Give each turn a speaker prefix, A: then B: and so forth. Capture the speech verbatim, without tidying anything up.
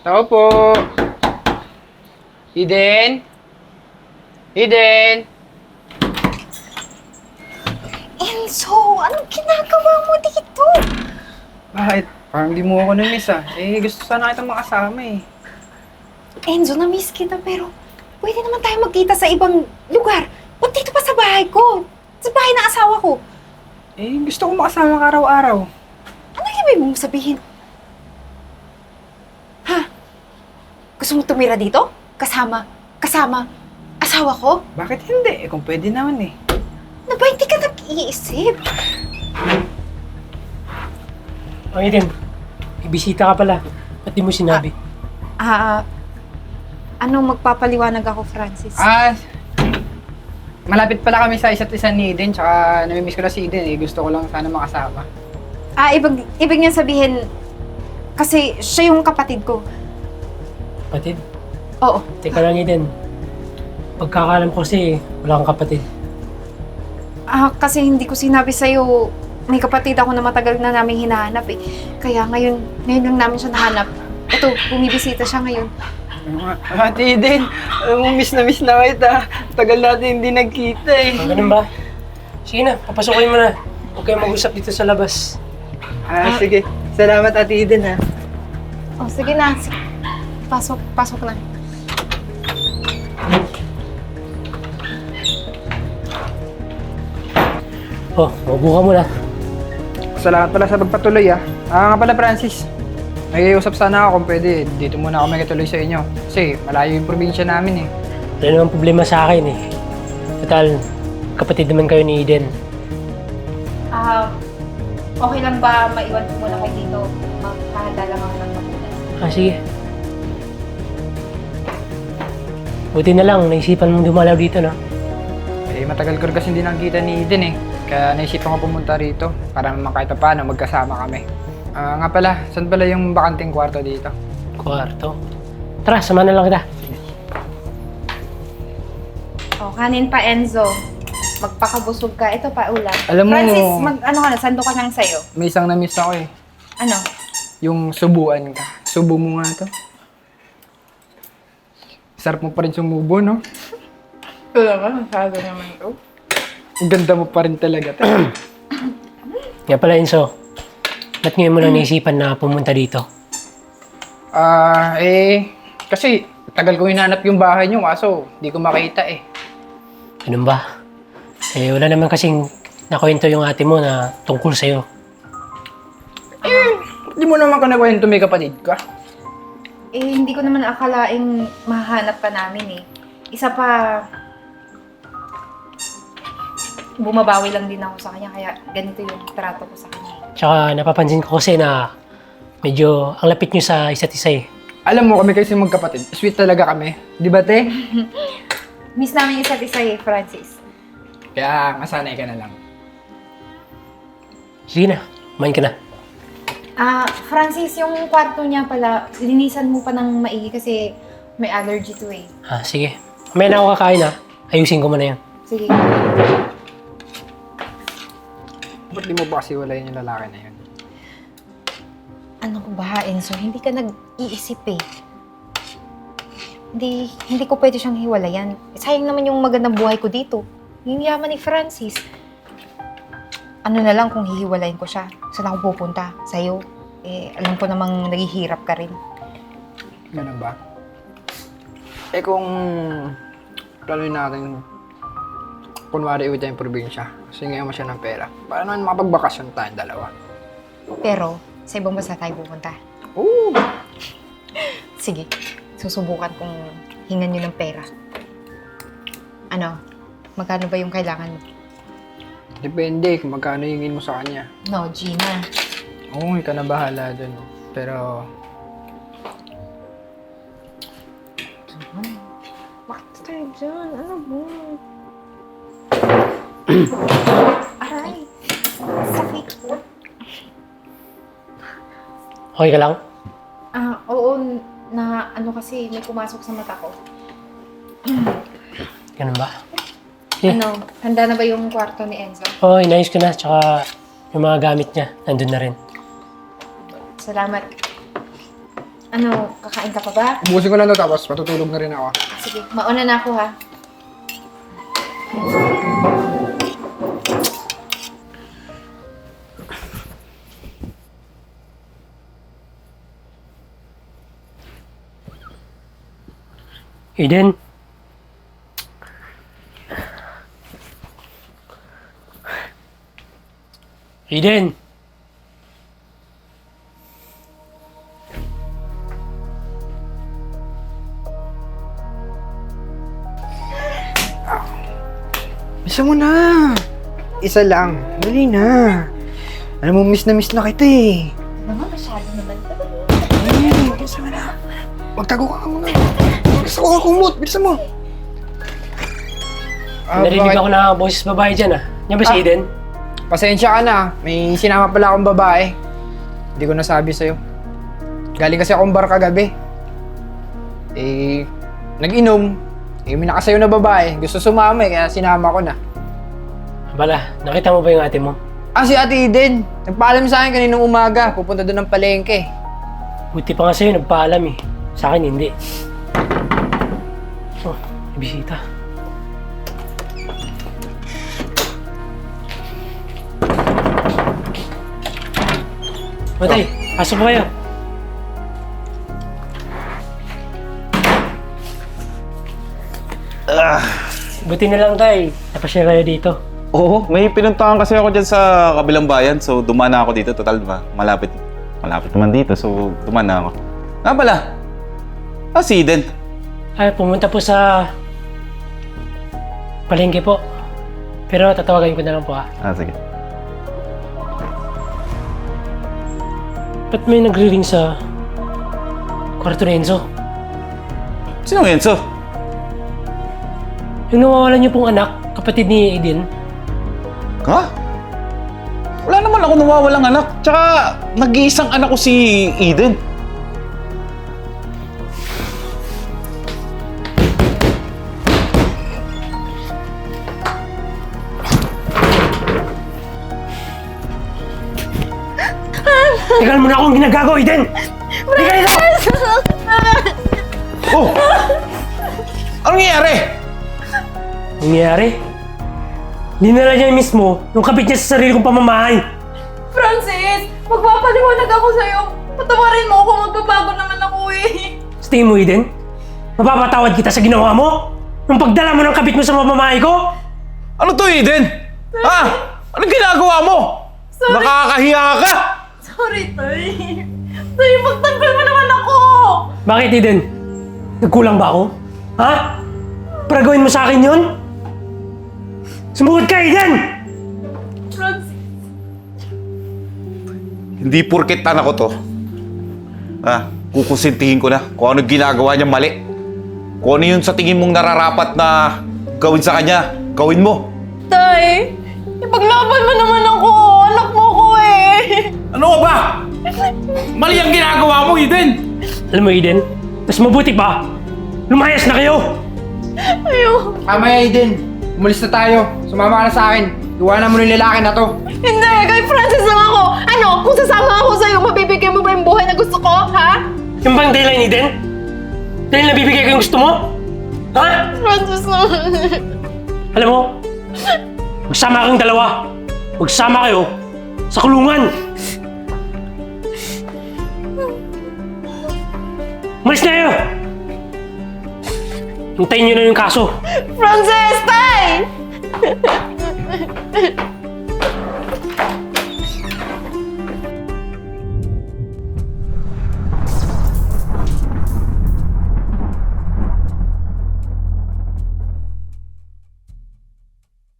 A: Tao po. Eden? Eden?
B: Enzo, anong ginagawa mo dito?
A: Bakit? Parang di mo ako na-miss ah. Eh, gusto sana kitang makasama eh.
B: Enzo, na-miss kita pero pwede naman tayo magkita sa ibang lugar. Ba't dito pa sa bahay ko? Sa bahay ng asawa ko.
A: Eh, gusto ko makasama ka araw-araw.
B: Ano yung ibig mong sabihin? Ha? Gusto mo tumira dito? Kasama, kasama, asawa ko?
A: Bakit hindi? Eh, kung pwede naman eh.
B: Na ba hindi ka nag-iisip?
C: Oh, Eden, may bisita ka pala. Ba't di mo sinabi?
B: Ah, ano magpapaliwanag ako, Francis?
A: Ah, malapit pala kami sa isa't isa ni Eden, tsaka namimiss ko na si Eden eh. Gusto ko lang sana makasama.
B: Ah, ibig, ibig niya sabihin, kasi siya yung kapatid ko.
C: Kapatid?
B: Oo.
C: Teka lang, Eden. Pagkakalam ko kasi, wala kang kapatid.
B: Ah, kasi hindi ko sinabi sa'yo, may kapatid ako na matagal na namin hinahanap eh. Kaya ngayon, ngayon lang namin siya nahanap. Ito, bumibisita siya ngayon.
A: Ate Eden, alam mo, miss na miss na kita. Tagal natin hindi nagkita eh.
C: Ah, ganun ba? Sige na, papasukin mo na. Huwag kayong mag-usap dito sa labas.
A: Ah, sige. Salamat Ate Eden ha.
B: Oh, sige na. Sige. Pasok, pasok na.
C: Oh, mabuka mo na.
A: Salamat pala sa pagpatuloy ah. Ah, nga pala Francis. Nag-iusap sana ako kung pwede. Dito muna ako magkatuloy sa inyo. Kasi malayo yung probinsya namin eh.
C: Wala namang problema sa akin eh. Total, kapatid naman kayo ni Eden.
B: Ah, okay lang ba maiwan ko muna kayo dito? Magkahanda lang ako ng magunan.
C: Ah, sige. Buti na lang, naisipan mong dumalaw dito, no?
A: Eh, matagal ko rin kasi hindi nakikita ni Eden eh. Kaya naisipan ko pumunta rito para naman kahit pa paano magkasama kami. Ah, nga pala, saan pala yung bakanting kwarto dito?
C: Kwarto. Tara, sama na lang kita.
B: Oh, kanin pa, Enzo. Magpakabusog ka. Ito pa, ulam.
A: Alam mo-
B: Francis, mag, ano ka na, sando ka nang sa'yo.
A: May isang na-miss ako eh.
B: Ano?
A: Yung subuan ka. Subo mo nga to. Sarap mo pa rin sumubo, no?
B: Ito naman, masyado naman ito.
A: Ang ganda mo pa rin talaga.
C: Nga pala, Enzo. Ba't ngayon mo lang naisipan na pumunta dito?
A: Ah, eh, kasi tagal ko hinanap yung bahay niyo, kaso di ko makita eh.
C: Ganun ba? Eh, wala naman kasing nakwento yung ate mo na tungkol sa'yo.
A: Di mo naman ka nakwento may kapatid ka.
B: Eh, hindi ko naman akalaing mahanap ka namin eh. Isa pa, bumabawi lang din ako sa kanya, kaya ganito yung trato ko sa kanya.
C: Tsaka napapansin ko kasi na medyo ang lapit nyo sa isa't isa eh.
A: Alam mo, kami kasi magkapatid. Sweet talaga kami. Di ba, te?
B: Miss namin isa't isa eh, Francis.
A: Kaya masanay ka na lang.
C: Sige na, kumain ka na.
B: Ah, Francis, yung kwarto niya pala, linisan mo pa ng maigi kasi may allergy to eh.
C: Ah, sige. May na ako kakain ha. Ayusin ko muna yan.
B: Sige.
A: Ba't di mo ba kasi walayin yung lalaki na yun?
B: Ano ko ba, Enzo? Hindi ka nag-iisip eh. Hindi, hindi ko pwede siyang hiwalayan. Sayang naman yung magandang buhay ko dito. Yung yaman ni Francis. Ano na lang kung hihiwalayin ko siya. Saan ako pupunta? Sa'yo. Eh, alam ko namang naghihirap ka rin.
A: Ganun ba? Eh kung planuin natin, kunwari iwi tayong probinsya, kasi ngayon mo siya ng pera, para naman makapagbakasyon tayong dalawa.
B: Pero, sa ibang bansa tayo pupunta.
A: Oo!
B: Sige, susubukan kong hingan nyo ng pera. Ano? Magkano ba yung kailangan mo?
A: Depende kung magkano hingin mo sa kanya.
B: No, Gina.
A: Oo, ikaw na bahala dun. Pero,
B: Bakit tayo dyan? Ano mo? Aray! Sakit.
C: Okay ka lang?
B: Ah, oo. Na ano kasi, may pumasok sa mata ko.
C: Ganun ba? Eh.
B: Ano, handa na ba yung kwarto ni Enzo?
C: Oo, oh, inayos ko na. Tsaka yung mga gamit niya, nandun na rin.
B: Salamat. Ano, kakain ka pa ba?
A: Ubusin ko lang to tapos matutulog na rin ako.
B: Sige, mauna na ako ha.
C: Eden. Eden.
A: Bisa mo na. Isa lang. Dali na. Alam mo, miss na miss na kita eh.
B: Naman, masyado naman.
A: Ay, bisa mo na. Magtago ka muna. Gusto ko ka kumot. Bisa mo. Ah,
C: Narinig
A: bakit?
C: ako na boses babae dyan ah. Yan ba si
A: Ah.
C: Eden?
A: Pasensya ka na. May sinama pala akong babae. Hindi ko nasabi sa'yo. Galing kasi akong bar kagabi. Eh, nag-inom. Eh, may nakasayo na babae. Gusto sumama eh, kaya sinama ko na.
C: Bala, nakita mo ba yung ate mo?
A: Ah, si Ate Eden. Nagpaalam sa akin kaninang umaga. Pupunta doon ng palengke.
C: Buti pa nga sa'yo, nagpaalam eh. Sa akin, hindi. Oh, may bisita. Matay, pasok po kayo. Buti na lang tay, napasya kayo dito.
D: Oo, may pinuntahan kasi ako dyan sa kabilang bayan. So, dumaan na ako dito. Total, diba? Malapit. Malapit naman dito. So, dumaan na ako. Nga pala. Ah, si Eden.
C: Ay, pumunta po sa palengke po. Pero tatawagan ko na lang po ah.
D: Ah, sige.
C: Ba't may nagre-ring sa kwarto ni Enzo?
D: Sino ang Enzo?
C: Yung nawawalan niyo pong anak, kapatid ni Eden.
D: Ha? Wala naman ako nawawalang anak. Tsaka, nag-iisang anak ko si Eden.
C: Tingnan mo na akong ginagago, Eden! Tingnan dito!
D: Oh! Anong nangyayari?
C: Nangyayari? Dinala niya mismo yung kapit niya sa sarili kong pamamahay.
E: Francis! Magpapaliwanag ako sa'yo. Patawarin mo ako, magbabago naman ako eh.
C: Sa tingin mo, Eden? Mapapatawad kita sa ginawa mo? Nung pagdala mo ng kapit mo sa pamamahay ko?
D: Ano to, Eden? Ha? Anong ginagawa mo?
E: Sorry.
D: Nakakahiya ka!
E: Sorry, Tay. Tay, magtanggol mo naman ako!
C: Bakit, Eden? Nagkulang ba ako? Ha? Para gawin mo sa akin yun? Sumugot ka, Eden!
E: Francis,
D: Hindi porket anak ko to. Ah, kukusintihin ko na kung ano ginagawa niya mali. Kung ano yun sa tingin mong nararapat na gawin sa kanya, gawin mo.
E: Tay! Ipaglaban mo naman ako! Anak mo ko eh!
D: Ano ba? Mali ang ginagawa mo, Eden!
C: Alam mo, Eden, mas mabuti pa. Lumayas na kayo!
E: Ayaw!
A: Mamaya, Eden. Umalis na tayo. Sumama ka na sa akin. Iwanan mo na yung lalaki na to.
E: Hindi! Kay Francis lang ako! Ano? Kung sasama ako sa'yo, mabibigay mo ba yung buhay na gusto ko? Ha?
C: Yung bang dahilan, Eden? Dahil nabibigay ko yung gusto mo? Ha?
E: Francis naman.
C: Alam mo, magsama kayong dalawa. Magsama kayo sa kulungan. Umalis na kayo! Hintayin nyo na yung kaso.
E: Francis! Tay!